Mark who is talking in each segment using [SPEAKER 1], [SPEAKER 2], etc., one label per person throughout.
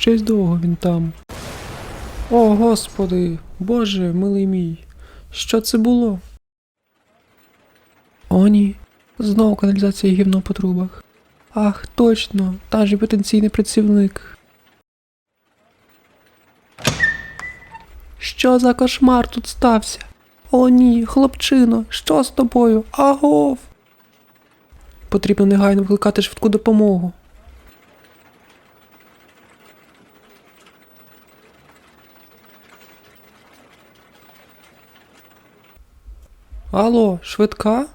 [SPEAKER 1] щось довго він там. О, Господи, Боже, милий мій, що це було? О, ні, знову каналізація і гівно по трубах. Ах, точно, та ж і потенційний працівник. Що за кошмар тут стався? О, ні, хлопчино, що з тобою? Агов! Потрібно негайно викликати швидку допомогу. Алло, швидка?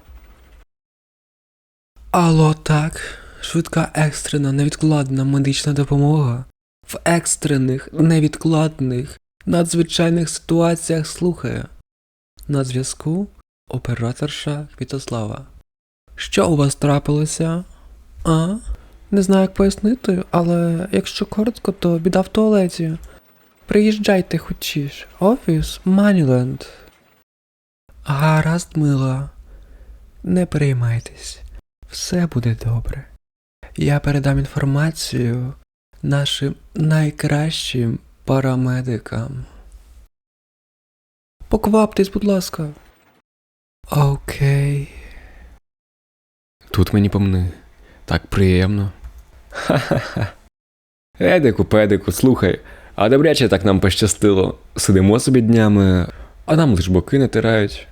[SPEAKER 1] Алло, так. Швидка екстрена невідкладна медична допомога. В екстрених, невідкладних, надзвичайних ситуаціях слухає. На зв'язку операторша Квітослава. Що у вас трапилося? А? Не знаю, як пояснити, але якщо коротко, то біда в туалеті. Приїжджайте хочеш. Офіс Маніленд. Гаразд, мила. Не переймайтесь. Все буде добре. Я передам інформацію нашим найкращим парамедикам. Покваптесь, будь ласка. Окей.
[SPEAKER 2] Тут мені помни. Так приємно. Ха-ха-ха. Едику-педику, слухай, а добряче так нам пощастило. Сидимо собі днями, а нам лиш боки натирають.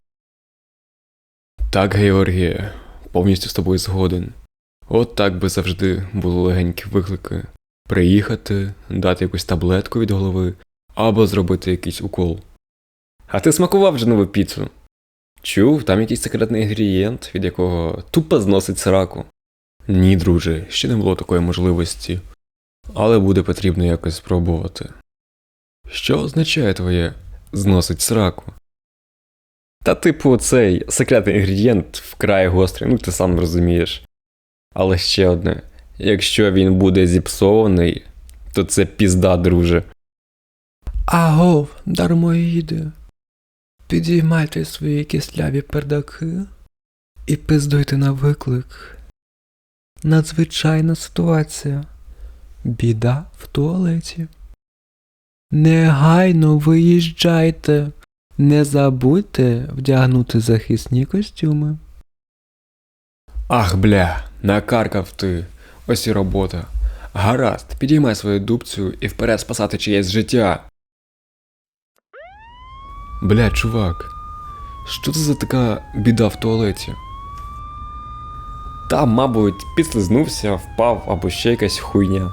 [SPEAKER 2] Так, Георгіє, повністю з тобою згоден. От так би завжди були легенькі виклики. Приїхати, дати якусь таблетку від голови, або зробити якийсь укол. А ти смакував вже нову піцу? Чув, там якийсь секретний інгредієнт, від якого тупо зносить сраку. Ні, друже, ще не було такої можливості. Але буде потрібно якось спробувати. Що означає твоє «зносить сраку»? Та типу цей секретний інгредієнт вкрай гострий, ну ти сам розумієш. Але ще одне. Якщо він буде зіпсований, то це пізда, друже.
[SPEAKER 1] Агов, дармоїди. Підіймайте свої кисляві пердаки і пиздуйте на виклик. Надзвичайна ситуація. Біда в туалеті. Негайно виїжджайте. Не забудьте вдягнути захисні костюми.
[SPEAKER 2] Ах, бля, накаркав ти. Ось і робота. Гаразд, підіймай свою дубцю і вперед спасати чиєсь життя. Бля, чувак, що це за така біда в туалеті? Та, мабуть, підслизнувся, впав або ще якась хуйня.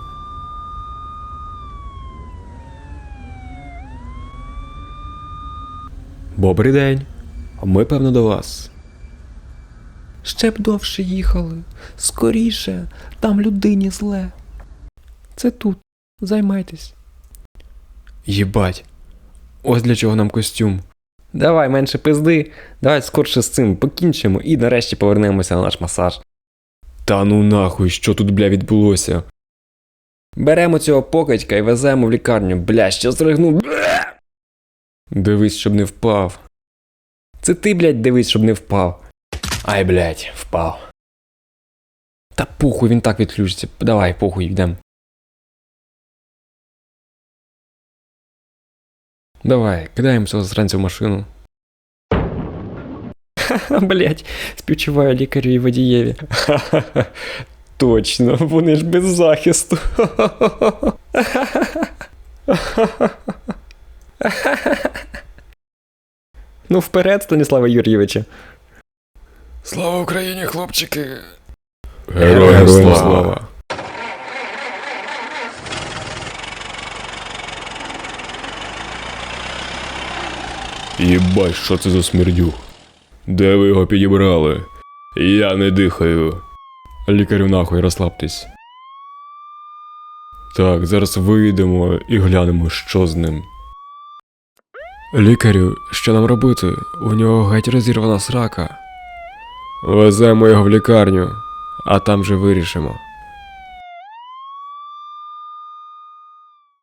[SPEAKER 2] Добрий день. Ми, певно, до вас.
[SPEAKER 1] Ще б довше їхали. Скоріше, там людині зле. Це тут. Займайтесь.
[SPEAKER 2] Єбать. Ось для чого нам костюм. Давай, менше пизди. Давай скорше з цим покінчимо і нарешті повернемося на наш масаж. Та ну нахуй, що тут, бля, відбулося? Беремо цього покидька і веземо в лікарню. Бля, що зригнув. Бля! Дивись, щоб не впав. Це ти, блядь, дивись, щоб не впав. Ай, блядь, впав. Та похуй, він так відключиться. Давай, похуй, йдем. Давай, кидаємо цього засранця в машину. Ха-ха, блядь, співчуваю лікарю і водієві. Ха-ха-ха, точно, вони ж без захисту. Ну вперед, Станіслава Юрійовича. Слава Україні, хлопчики! Героям слава! Єбать, що це за смердюх? Де ви його підібрали? Я не дихаю. Лікарю нахуй, розслабтесь. Так, зараз вийдемо і глянемо, що з ним. Лікарю, що нам робити? У нього геть розірвана срака. Веземо його в лікарню, а там же вирішимо.